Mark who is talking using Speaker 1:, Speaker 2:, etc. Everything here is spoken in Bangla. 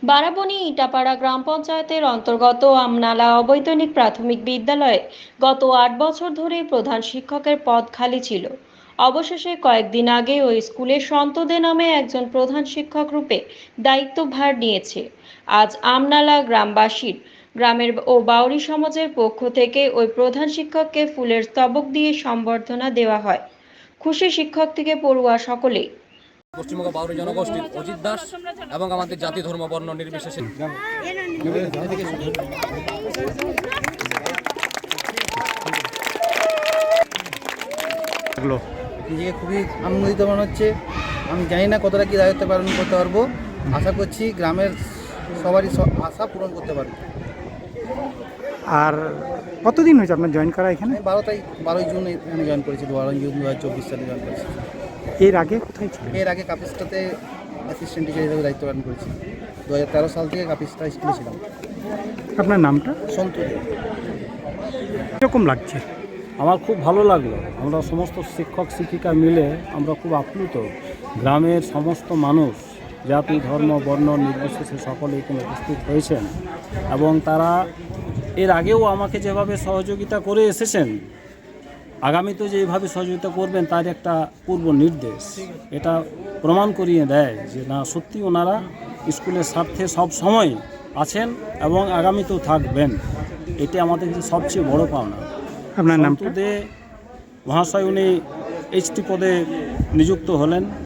Speaker 1: বারাবণী ইটাপাড়া গ্রাম পঞ্চায়েতের অন্তর্গত আমনালা অবৈতনিক প্রাথমিক বিদ্যালয়ে গত ৮ বছর ধরে প্রধান শিক্ষকের পদ খালি ছিল। অবশেষে কয়েকদিন আগে ওই স্কুলের সন্তদে নামে একজন প্রধান শিক্ষক রূপে দায়িত্বভার নিয়েছে। আজ আমনালা গ্রামবাসীর গ্রামের ও বাউরি সমাজের পক্ষ থেকে ওই প্রধান শিক্ষককে ফুলের স্তবক দিয়ে সম্বর্ধনা দেওয়া হয়। খুশি শিক্ষক থেকে পড়ুয়া সকলেই।
Speaker 2: পশ্চিমবঙ্গ বাউরি জনগোষ্ঠীর অজিত দাস এবং আমাদের জাতি ধর্ম বর্ণ নির্বিশেষে
Speaker 3: নিজেকে খুবই আনন্দিত মনে হচ্ছে। আমি জানি না কতটা কি দায়িত্ব পালন করতে পারবো। আশা করছি গ্রামের সবারই আশা পূরণ করতে পারবো।
Speaker 4: আর কতদিন হয়েছে আপনার জয়েন করা এখানে?
Speaker 3: আমি 12ই জুন এখানে জয়েন করেছি, 12ই জুন 2024 সালে জয়েন করেছি।
Speaker 4: এর আগে কোথায় ছিল?
Speaker 3: এর আগে কাপিস্টাতে অ্যাসিস্ট্যান্ট টিচার হিসেবে দায়িত্ব পালন করেছি। 2013 সাল থেকে কাপিস্টা স্কুলে ছিলাম।
Speaker 4: আপনার নামটা?
Speaker 3: সন্তু দে।
Speaker 4: কীরকম লাগছে?
Speaker 5: আমার খুব ভালো লাগলো। আমরা সমস্ত শিক্ষক শিক্ষিকা মিলে আমরা খুব আপ্লুত। গ্রামের সমস্ত মানুষ জাতি ধর্ম বর্ণ নির্বিশেষে সকলে এখানে উপস্থিত হয়েছেন এবং তারা এর আগেও আমাকে যেভাবে সহযোগিতা করে এসেছেন, আগামীতেও যেভাবে সহযোগিতা করবেন তার একটা পূর্ব নির্দেশ। এটা প্রমাণ করিয়ে দেয় যে না, সত্যি ওনারা স্কুলের স্বার্থে সব সময় আছেন এবং আগামীতেও থাকবেন। এটি আমাদের কাছে সবচেয়ে বড় পাওনা।
Speaker 4: আপনার নামটা?
Speaker 5: সন্তু দে মহাশয় উনি এইচটি পদে নিযুক্ত হলেন